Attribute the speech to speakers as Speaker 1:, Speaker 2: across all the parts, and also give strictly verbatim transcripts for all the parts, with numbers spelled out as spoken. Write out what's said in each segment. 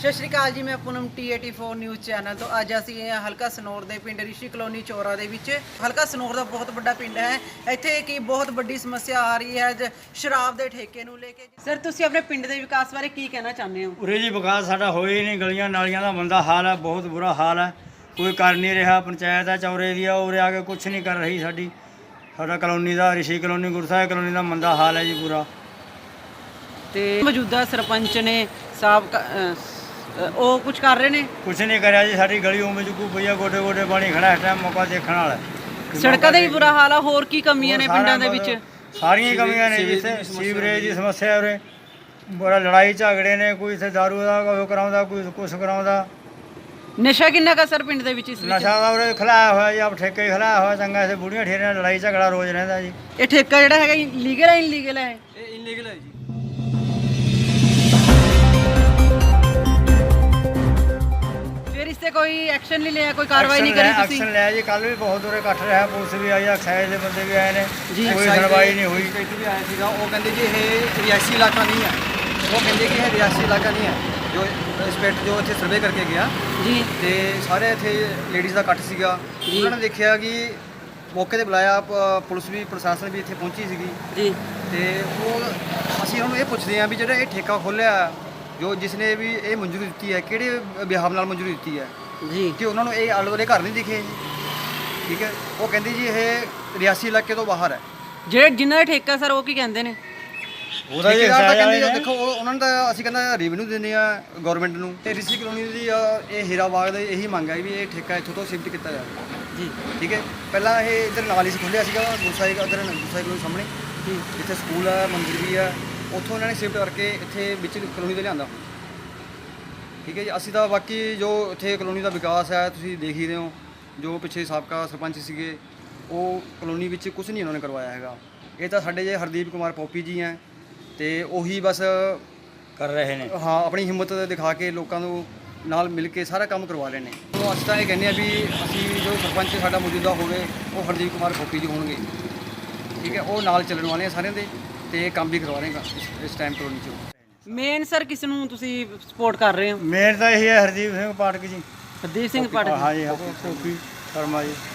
Speaker 1: ਸਤਿ ਸ਼੍ਰੀ ਅਕਾਲ ਜੀ, ਮੈਂ Poonam T eighty four news channel ਤੋਂ। ਅੱਜ ਅਸੀਂ ਹਲਕਾ ਸਨੌਰ ਦੇ ਪਿੰਡ ਰਿਸ਼ੀ ਕਲੋਨੀ ਚੋਰਾ ਦੇ ਵਿੱਚ। ਹਲਕਾ ਸਨੌਰ ਦਾ ਬਹੁਤ ਵੱਡਾ ਪਿੰਡ ਹੈ। ਇੱਥੇ ਕੀ ਬਹੁਤ ਵੱਡੀ ਸਮੱਸਿਆ ਆ ਰਹੀ ਹੈ ਸ਼ਰਾਬ ਦੇ ਠੇਕੇ ਨੂੰ ਲੈ ਕੇ। ਸਰ, ਤੁਸੀਂ ਆਪਣੇ ਪਿੰਡ ਦੇ ਵਿਕਾਸ ਬਾਰੇ ਕੀ ਕਹਿਣਾ ਚਾਹੁੰਦੇ ਹੋ?
Speaker 2: ਉਰੇ ਜੀ ਵਿਕਾਸ ਸਾਡਾ ਹੋਇਆ ਹੀ ਨਹੀਂ। ਗਲੀਆਂ ਨਾਲੀਆਂ ਦਾ ਮੰਦਾ ਹਾਲ ਹੈ, ਬਹੁਤ ਬੁਰਾ ਹਾਲ ਹੈ। ਕੋਈ ਕਰ ਨਹੀਂ ਰਿਹਾ। ਪੰਚਾਇਤ ਹੈ ਚੌਰੇ ਦੀ ਆ, ਉਰੇ ਆ ਕੇ ਕੁਛ ਨਹੀਂ ਕਰ ਰਹੀ। ਸਾਡੀ ਸਾਡਾ ਕਲੋਨੀ ਦਾ ਰਿਸ਼ੀ ਕਲੋਨੀ ਗੁਰਸਾਹਿਬ ਕਲੋਨੀ ਦਾ ਮੰਦਾ ਹਾਲ ਹੈ ਜੀ ਪੂਰਾ।
Speaker 1: ਤੇ ਮੌਜੂਦਾ ਸਰਪੰਚ ਨੇ ਸਾਬਕਾ ਉਹ ਕੁਝ ਕਰ ਰਹੇ ਨੇ?
Speaker 2: ਕੁਛ ਨਹੀਂ ਕਰਿਆ ਜੀ। ਸਾਡੀ ਗਲੀ ਉਵੇਂ ਚੁੱਕੂ ਪਈਆ, ਗੋਡੇ ਗੋਡੇ ਪਾਣੀ ਖੜਾ ਇਸ ਟਾਈਮ। ਮੌਕਾ ਦੇਖਣ ਵਾਲਾ।
Speaker 1: ਸੜਕਾਂ ਦਾ ਵੀ ਬੁਰਾ ਹਾਲ ਆ। ਹੋਰ ਕੀ ਕਮੀਆਂ ਨੇ ਪਿੰਡਾਂ ਦੇ ਵਿੱਚ?
Speaker 2: ਸਾਰੀਆਂ ਹੀ ਕਮੀਆਂ ਨੇ ਜੀ। ਇੱਥੇ ਸੀਵਰੇਜ ਦੀ ਸਮੱਸਿਆ, ਉਰੇ ਬੜਾ ਲੜਾਈ ਝਗੜੇ ਨੇ। ਕੋਈ ਇੱਥੇ ਦਾਰੂ ਦਾ ਉਹ ਕਰਾਉਂਦਾ, ਕੋਈ ਕੁਛ ਕਰਾਉਂਦਾ।
Speaker 1: ਨਸ਼ਾ ਕਿੰਨਾ ਕਾ ਸਰ ਪਿੰਡ ਦੇ ਵਿੱਚ? ਇਸ ਵਿੱਚ
Speaker 2: ਨਸ਼ਾ ਦਾ ਉਰੇ ਖਲਾਇਆ ਹੋਇਆ ਜੀ, ਆਪ ਠੇਕੇ ਖਲਾਇਆ ਹੋਇਆ ਚੰਗਾ। ਇੱਥੇ ਬੁੜੀਆਂ ਠੇਰਿਆਂ ਲੜਾਈ ਝਗੜਾ ਰੋਜ਼ ਰਹਿੰਦਾ ਜੀ।
Speaker 1: ਇਹ ਠੇਕਾ ਜਿਹੜਾ ਹੈਗਾ ਲੀਗਲ ਹੈ ਇਨਲੀਗਲ ਹੈ?
Speaker 2: ਇਹ ਇਨਲੀਗਲ ਹੈ ਜੀ।
Speaker 1: ਫਿਰ ਇਸ ਤੇ ਕੋਈ ਐਕਸ਼ਨ ਨਹੀਂ ਲਿਆ, ਕੋਈ ਕਾਰਵਾਈ ਨਹੀਂ ਕਰੀ ਤੁਸੀਂ?
Speaker 2: ਐਕਸ਼ਨ ਲਿਆ ਜੀ। ਕੱਲ ਵੀ ਬਹੁਤ ਦੂਰੇ ਇਕੱਠ ਰਿਹਾ, ਪੁਲਿਸ ਵੀ ਆਈ, ਐਕਸਾਈਜ਼ ਦੇ ਬੰਦੇ ਵੀ ਆਏ ਨੇ,
Speaker 1: ਜੀ।
Speaker 2: ਕੋਈ ਸੁਣਵਾਈ ਨਹੀਂ ਹੋਈ।
Speaker 3: ਇੱਕ ਵੀ ਆਇਆ ਸੀਗਾ, ਉਹ ਕਹਿੰਦੇ ਜੀ ਇਹ ਰਿਹਾਇਸ਼ੀ ਇਲਾਕਾ ਨਹੀਂ ਹੈ। ਉਹ ਕਹਿੰਦੇ ਕਿ ਇਹ ਰਿਹਾਇਸ਼ੀ ਇਲਾਕਾ ਨਹੀਂ ਹੈ। ਜੋ ਇੰਸਪੈਕਟਰ ਜੋ ਇੱਥੇ ਸਰਵੇ ਕਰਕੇ ਗਿਆ
Speaker 1: ਜੀ,
Speaker 3: ਤੇ ਸਾਰੇ ਇੱਥੇ ਲੇਡੀਜ਼ ਦਾ ਇਕੱਠ ਸੀਗਾ। ਉਹਨਾਂ ਨੇ ਦੇਖਿਆ ਕਿ ਮੌਕੇ ਤੇ ਬੁਲਾਇਆ, ਪ- ਪੁਲਿਸ ਵੀ ਪ੍ਰਸ਼ਾਸਨ ਵੀ ਇੱਥੇ ਪਹੁੰਚੀ ਸੀਗੀ।
Speaker 1: ਜੀ।
Speaker 3: ਤੇ ਉਹ ਅਸੀਂ ਉਹਨੂੰ ਇਹ ਪੁੱਛਦੇ ਹਾਂ ਵੀ ਜਿਹੜਾ ਇਹ ਠੇਕਾ ਖੋਲ੍ਹਿਆ, ਜੋ ਜਿਸ ਨੇ ਵੀ ਇਹ ਮਨਜ਼ੂਰੀ ਦਿੱਤੀ ਹੈ, ਕਿਹੜੇ ਬਿਹਾਵ ਨਾਲ ਮਨਜ਼ੂਰੀ ਦਿੱਤੀ ਹੈ,
Speaker 1: ਜੀ।
Speaker 3: ਕਿ ਉਹਨਾਂ ਨੂੰ ਇਹ ਆਲੇ ਦੁਆਲੇ ਘਰ ਨਹੀਂ ਦਿਖੇ ਜੀ। ਠੀਕ ਹੈ, ਉਹ ਕਹਿੰਦੇ ਜੀ ਇਹ ਰਿਹਾਇਸ਼ੀ ਇਲਾਕੇ ਤੋਂ ਬਾਹਰ ਹੈ।
Speaker 1: ਜਿਹੜੇ ਜਿਨ੍ਹਾਂ ਦਾ ਠੇਕਾ ਸਰ, ਉਹ ਕੀ ਕਹਿੰਦੇ ਨੇ?
Speaker 2: ਉਹਦਾ ਹੀ
Speaker 3: ਠੇਕੇਦਾਰ ਤਾਂ
Speaker 2: ਐਕਸਾਈਜ਼
Speaker 3: ਕਹਿੰਦੇ
Speaker 2: ਵਾਲੇ
Speaker 3: ਜੀ,
Speaker 2: ਨੇ।
Speaker 3: ਦੇਖੋ ਉਹ- ਉਹਨਾਂ ਨੂੰ ਤਾਂ ਅਸੀਂ ਕਹਿੰਦਾ ਰੈਵਨਿਊ ਦਿੰਦੇ ਆ ਗਵਰਨਮੈਂਟ ਨੂੰ। ਤੇ ਰਿਸ਼ੀ ਕਲੋਨੀ ਦੀ ਅ, ਇਹ ਹੀਰਾ ਬਾਗ ਦੀ ਇਹੀ ਮੰਗ ਹੈ ਵੀ ਇਹ ਠੇਕਾ ਇੱਥੋਂ ਤੋਂ ਸ਼ਿਫਟ ਕੀਤਾ ਜਾਵੇ
Speaker 1: ਜੀ,
Speaker 3: ਠੀਕ ਹੈ। ਪਹਿਲਾਂ ਇਹ ਇੱਧਰ ਨਾਲ ਹੀ ਸੀ ਖੁੱਲ੍ਹਿਆ ਸੀਗਾ ਗੁਰਸਾਹਿਬ, ਇੱਧਰ ਗੁਰਸਾਹਿਬ ਕਲੋਨੀ ਸਾਹਮਣੇ
Speaker 1: ਜੀ।
Speaker 3: ਜਿੱਥੇ ਸਕੂਲ ਹੈ, ਮੰਦਿਰ ਵੀ ਹੈ, ਉੱਥੋਂ ਇਹਨਾਂ ਨੇ ਸ਼ਿਫਟ ਕਰਕੇ ਇੱਥੇ ਵਿੱਚ ਕਲੋਨੀ ਦੇ ਲਿਆਂਦਾ। ਠੀਕ ਹੈ ਜੀ। ਅਸੀਂ ਤਾਂ ਬਾਕੀ ਜੋ ਇੱਥੇ ਕਲੋਨੀ ਦਾ ਵਿਕਾਸ ਹੈ ਤੁਸੀਂ ਦੇਖ ਹੀ ਰਹੇ ਹੋ। ਜੋ ਪਿੱਛੇ ਸਾਬਕਾ ਸਰਪੰਚ ਸੀਗੇ, ਉਹ ਕਲੋਨੀ ਵਿੱਚ ਕੁਝ ਨਹੀਂ ਉਹਨਾਂ ਨੇ ਕਰਵਾਇਆ ਹੈਗਾ। ਇਹ ਤਾਂ ਸਾਡੇ ਜੇ ਹਰਦੀਪ ਕੁਮਾਰ ਪੋਪੀ ਜੀ ਹੈ, ਤੇ ਉਹੀ ਬਸ
Speaker 2: ਕਰ ਰਹੇ ਨੇ।
Speaker 3: ਹਾਂ ਆਪਣੀ ਹਿੰਮਤ ਦਿਖਾ ਕੇ ਲੋਕਾਂ ਨੂੰ ਨਾਲ ਮਿਲ ਕੇ ਸਾਰਾ ਕੰਮ ਕਰਵਾ ਰਹੇ ਨੇ। ਉਹ ਅਸੀਂ ਤਾਂ ਇਹ ਕਹਿੰਦੇ ਆ ਵੀ ਅਸੀਂ ਜੋ ਸਰਪੰਚ ਸਾਡਾ ਮੌਜੂਦਾ ਹੋਵੇ ਉਹ ਹਰਦੀਪ ਕੁਮਾਰ ਪੋਪੀ ਜੀ ਹੋਣਗੇ। ਠੀਕ ਹੈ, ਉਹ ਨਾਲ ਚੱਲਣ ਵਾਲੇ ਆ ਸਾਰਿਆਂ ਦੇ, ਤੇ ਕੰਮ ਵੀ ਕਰਵਾ ਰਹੇਗਾ ਇਸ ਟਾਈਮ ਕਲੋਨੀ 'ਚ।
Speaker 1: ਮੇਨ ਸਰ ਕਿਸ ਨੂੰ ਤੁਸੀਂ ਸਪੋਰਟ ਕਰ ਰਹੇ ਹੋ?
Speaker 2: ਮੇਨ ਤਾਂ ਇਹੀ ਹੈ ਹਰਦੀਪ ਸਿੰਘ ਪਾਠਕ ਜੀ।
Speaker 1: ਹਰਦੀਪ ਸਿੰਘ ਪਾਠਕ।
Speaker 2: ਹਾਂ ਜੀ, ਕੋਪੀ ਸ਼ਰਮਾ ਜੀ।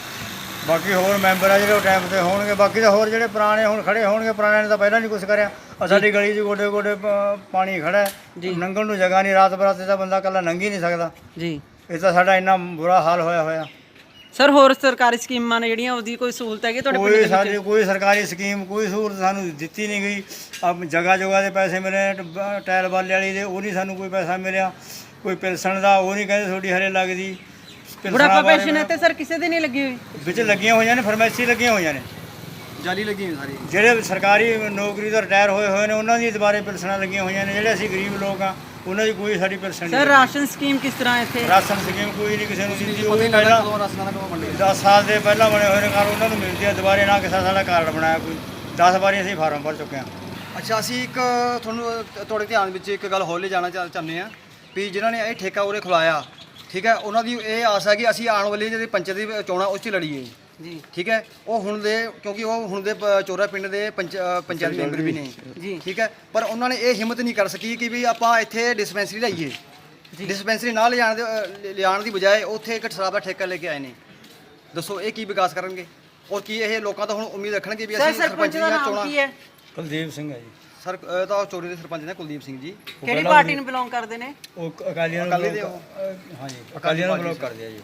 Speaker 2: ਬਾਕੀ ਹੋਰ ਮੈਂਬਰ ਆ ਜਿਹੜੇ ਉਹ ਟਾਈਮ ਤੇ ਹੋਣਗੇ। ਬਾਕੀ ਤਾਂ ਹੋਰ ਜਿਹੜੇ ਪੁਰਾਣੇ ਹੁਣ ਖੜੇ ਹੋਣਗੇ, ਪੁਰਾਣਿਆਂ ਨੇ ਤਾਂ ਪਹਿਲਾਂ ਨਹੀਂ ਕੁਝ ਕਰਿਆ। ਆਹ ਸਾਡੀ ਗਲੀ 'ਚ ਗੋਡੇ ਗੋਡੇ ਪ- ਪਾਣੀ ਖੜਾ ਹੈ, ਲੰਘਣ ਨੂੰ ਜਗ੍ਹਾ ਨਹੀਂ। ਰਾਤ ਬਰਾਤੇ ਤਾਂ ਬੰਦਾ ਇਕੱਲਾ ਲੰਘ ਹੀ ਨਹੀਂ ਸਕਦਾ।
Speaker 1: ਜੀ।
Speaker 2: ਇਹ ਤਾਂ ਸਾਡਾ ਇੰਨਾ ਬੁਰਾ ਹਾਲ ਹੋਇਆ ਹੋਇਆ।
Speaker 1: ਸਰ, ਹੋਰ ਸਰਕਾਰੀ ਸਕੀਮਾਂ ਨੇ ਜਿਹੜੀਆਂ, ਉਹਦੀ ਕੋਈ ਸਹੂਲਤ ਹੈਗੀ ਤੁਹਾਡੇ ਪਿੰਡ
Speaker 2: ਕੋਈ
Speaker 1: ਦੇ
Speaker 2: ਸਾਡੀ
Speaker 1: ਵਿੱਚ?
Speaker 2: ਕੋਈ ਸਰਕਾਰੀ ਸਕੀਮ, ਕੋਈ ਸਹੂਲਤ ਸਾਨੂੰ ਦਿੱਤੀ ਨਹੀਂ ਗਈ। ਅਬ ਜਗ੍ਹਾ ਜਗ੍ਹਾ ਦੇ ਪੈਸੇ ਮਿਲੇ, ਟ- ਟਾਇਲ ਵਾਲੇ ਵਾਲੀ ਦੇ, ਉਹ ਨਹੀਂ ਸਾਨੂੰ ਕੋਈ ਪੈਸਾ ਮਿਲਿਆ। ਕੋਈ ਪੈਨਸ਼ਨ ਦਾ ਉਹ ਨਹੀਂ ਕਹਿੰਦੇ ਤੁਹਾਡੀ ਹਰੇ ਲੱਗਦੀ। ਪੈਨਸ਼ਨਾਂ
Speaker 1: ਬੁਢਾਪਾ
Speaker 2: ਬਾਰੇ
Speaker 1: ਪੈਨਸ਼ਨ ਹੈ ਤੇ ਸਰ ਕਿਸੇ ਦੀ ਨਹੀਂ ਲੱਗੀ ਹੋਈ?
Speaker 2: ਵਿੱਚ ਲੱਗੀਆਂ ਹੋਈਆਂ ਨੇ, ਫਾਰਮੇਸੀ ਲੱਗੀਆਂ ਹੋਈਆਂ ਨੇ।
Speaker 3: ਜਾਲੀ ਲੱਗੀ ਹੋਈ ਸਾਰੀ।
Speaker 2: ਜਿਹੜੇ ਸਰਕਾਰੀ ਨੌਕਰੀ ਤੋਂ ਰਿਟਾਇਰ ਹੋਏ ਹੋਏ ਨੇ ਉਹਨਾਂ ਦੀ ਦੁਬਾਰੇ ਪੈਨਸ਼ਨਾਂ ਲੱਗੀਆਂ ਹੋਈਆਂ ਨੇ। ਜਿਹੜੇ ਅਸੀਂ ਗਰੀਬ ਲੋਕ ਆ ਉਹਨਾਂ ਦੀ ਕੋਈ ਸਾਡੀ ਪੈਨਸ਼ਨ
Speaker 1: ਸਰ,
Speaker 2: ਨਹੀਂ।
Speaker 1: ਰਾਸ਼ਨ ਸਕੀਮ ਕਿਸ ਤਰ੍ਹਾਂ ਇੱਥੇ?
Speaker 2: ਰਾਸ਼ਨ ਸਕੀਮ ਕੋਈ ਨਹੀਂ ਕਿਸੇ ਨੂੰ ਦਿੱਤੀ। ਉਹ
Speaker 3: ਪਤਾ
Speaker 2: ਵੀ
Speaker 3: ਹੀ ਨਹੀਂ ਲੱਗਦਾ
Speaker 2: ਪਹਿਲਾਂ
Speaker 3: ਕਦੋਂ ਰਾਸਨਾਂ ਦਾ ਕਦੋਂ ਮੰਡੇ।
Speaker 2: ਦਸ ਸਾਲ ਦੇ ਪਹਿਲਾਂ ਬਣੇ ਹੋਏ ਨੇ ਘਰ, ਉਹਨਾਂ ਨੂੰ ਮਿਲਦੀ ਆ ਦੁਬਾਰੇ। ਨਾ ਕਿਸੇ ਸਾਡਾ ਕਾਰਡ ਬਣਾਇਆ ਕੋਈ। ਦਸ ਵਾਰੀ ਅਸੀਂ ਫਾਰਮ ਭਰ ਚੁੱਕੇ ਹਾਂ।
Speaker 3: ਅੱਛਾ, ਅਸੀਂ ਇੱਕ ਤੁਹਾਨੂੰ ਤੁਹਾਡੇ ਧਿਆਨ ਵਿੱਚ ਇੱਕ ਗੱਲ ਹੋਰ ਲੈ ਜਾਣਾ ਚਾਹ- ਚਾਹੁੰਦੇ ਹਾਂ ਵੀ ਜਿਨ੍ਹਾਂ ਨੇ ਇਹ ਠੇਕਾ ਉਰੇ ਖੁਲਾਇਆ, ਠੀਕ ਹੈ, ਉਹਨਾਂ ਦੀ ਇਹ ਆਸ ਹੈ ਕਿ ਅਸੀਂ ਆਉਣ ਵਾਲੀ ਜਿਹੜੀ ਪੰਚਾਇਤ ਦੀ ਚੋਣਾਂ ਉਸ 'ਚ ਲੜੀਏ।
Speaker 1: ਜੀ।
Speaker 3: ਠੀਕ ਹੈ, ਉਹ ਹੁਣ ਦੇ ਕਿਉਂਕਿ ਉਹ ਹੁਣ ਦੇ ਪ- ਚੋਰਾ ਪਿੰਡ ਦੇ ਪੰਚ ਅ, ਪੰਚਾਇਤ ਮੈਂਬਰ ਵੀ ਨੇ।
Speaker 1: ਜੀ।
Speaker 3: ਠੀਕ ਹੈ, ਪਰ ਉਹਨਾਂ ਨੇ ਇਹ ਹਿੰਮਤ ਨਹੀਂ ਕਰ ਸਕੀ ਕਿ ਵੀ ਆਪਾਂ ਇੱਥੇ ਡਿਸਪੈਂਸਰੀ ਲਾਈਏ। ਡਿਸਪੈਂਸਰੀ ਨਾਲ ਲਿਜਾਣ ਦੇ ਅ, ਲਿਜਾਣ ਦੀ ਬਜਾਏ ਉੱਥੇ ਇੱਕ ਸ਼ਰਾਬ ਦਾ ਠੇਕਾ ਲੈ ਕੇ ਆਏ ਨੇ। ਦੱਸੋ ਇਹ ਕੀ ਵਿਕਾਸ ਕਰਨਗੇ? ਔਰ ਕੀ ਇਹ ਲੋਕਾਂ ਤੋਂ ਹੁਣ ਉਮੀਦ ਰੱਖਣਗੇ ਵੀ
Speaker 1: ਸਰ,
Speaker 3: ਅਸੀਂ
Speaker 1: ਸਰਪੰਚ
Speaker 3: ਸਰਪੰਚ
Speaker 1: ਦਾ
Speaker 3: ਦੀਆਂ
Speaker 1: ਨਾਮ
Speaker 3: ਚੋਣਾਂ?
Speaker 1: ਕੀ ਹੈ?
Speaker 2: ਕੁਲਦੀਪ ਸਿੰਘ ਹੈ ਜੀ।
Speaker 3: ਸਰ ਇਹ ਤਾਂ ਚੋਰੀ ਦੇ ਸਰਪੰਚ ਨੇ ਕੁਲਦੀਪ ਸਿੰਘ ਜੀ।
Speaker 1: ਕਿਹੜੀ ਪਾਰਟੀ ਨੂੰ ਬਿਲੋਂਗ ਕਰਦੇ ਨੇ?
Speaker 2: ਉਹ ਅਕਾਲੀਆਂ ਨੂੰ
Speaker 3: ਅਕਾਲੀ ਦੇ
Speaker 2: ਬਲੌਕ-
Speaker 3: ਉਹ।
Speaker 2: ਅ, ਹਾਂ ਜੀ, ਅਕਾਲੀਆਂ ਨੂੰ ਬਲੌਕ ਕਰਦੇ ਆ ਜੀ।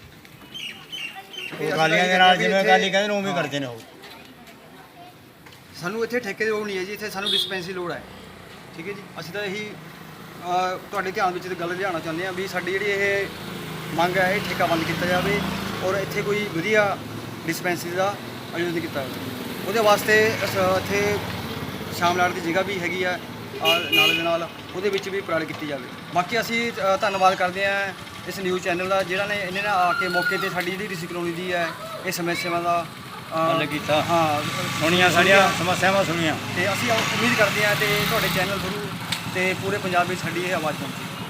Speaker 3: ਅਸੀਂ
Speaker 2: ਅਕਾਲੀਆਂ ਦੇ
Speaker 3: ਤਾਂ
Speaker 2: ਨਾਲ
Speaker 3: ਇਹ
Speaker 2: ਜਿਵੇਂ
Speaker 3: ਇੱਥੇ-
Speaker 2: ਅਕਾਲੀ ਕਹਿੰਦੇ ਨੇ ਉਵੇਂ ਕਰਦੇ ਨੇ ਉਹ।
Speaker 3: ਸਾਨੂੰ ਇੱਥੇ ਠੇਕੇ ਦੀ ਲੋੜ ਨਹੀਂ ਹੈ ਜੀ, ਇੱਥੇ ਸਾਨੂੰ ਡਿਸਪੈਂਸਰੀ ਲੋੜ ਹੈ। ਠੀਕ ਹੈ ਜੀ, ਅਸੀਂ ਤਾਂ ਇਹੀ ਅ, ਤੁਹਾਡੇ ਧਿਆਨ ਵਿੱਚ ਇਹ ਗੱਲ ਲਿਆਉਣਾ ਚਾਹੁੰਦੇ ਹਾਂ ਵੀ ਸਾਡੀ ਜਿਹੜੀ ਇਹ ਮੰਗ ਹੈ, ਇਹ ਠੇਕਾ ਬੰਦ ਕੀਤਾ ਜਾਵੇ ਔਰ ਇੱਥੇ ਕੋਈ ਵਧੀਆ ਡਿਸਪੈਂਸਰੀ ਦਾ ਆਯੋਜਨ ਕੀਤਾ ਜਾਵੇ। ਉਹਦੇ ਵਾਸਤੇ ਅਸ- ਇੱਥੇ ਸ਼ਾਮਲਾਟ ਦੀ ਜਗ੍ਹਾ ਵੀ ਹੈਗੀ ਆ ਆ ਨਾਲ ਦੇ ਨਾਲ, ਉਹਦੇ ਵਿੱਚ ਵੀ ਪ੍ਰਾਇਡ ਕੀਤੀ ਜਾਵੇ। ਬਾਕੀ ਅਸੀਂ ਅ, ਧੰਨਵਾਦ ਕਰਦੇ ਹਾਂ ਇਸ ਨਿਊਜ਼ ਚੈਨਲ ਦਾ, ਜਿਹੜਾ ਨੇ ਇਹਨੇ ਨਾ ਆ ਕੇ ਮੌਕੇ ਤੇ ਸਾਡੀ ਜਿਹੜੀ ਰਿਸ਼ੀ ਕਲੋਨੀ ਦੀ ਹੈ ਇਹ ਸਮੱਸਿਆਵਾਂ ਦਾ ਅ,
Speaker 2: ਹੱਲ ਕੀਤਾ।
Speaker 3: ਹਾਂ,
Speaker 2: ਸੁਣੀਆਂ ਸਾਡੀਆਂ ਸਮੱਸਿਆਵਾਂ ਸੁਣੀਆਂ।
Speaker 3: ਤੇ ਅਸੀਂ ਉਮੀਦ ਕਰਦੇ ਹਾਂ ਤੇ ਤੁਹਾਡੇ ਚੈਨਲ ਥਰੂ ਤੇ ਪੂਰੇ ਪੰਜਾਬ ਵਿੱਚ ਸਾਡੀ ਇਹ ਆਵਾਜ਼ ਪਹੁੰਚੇ।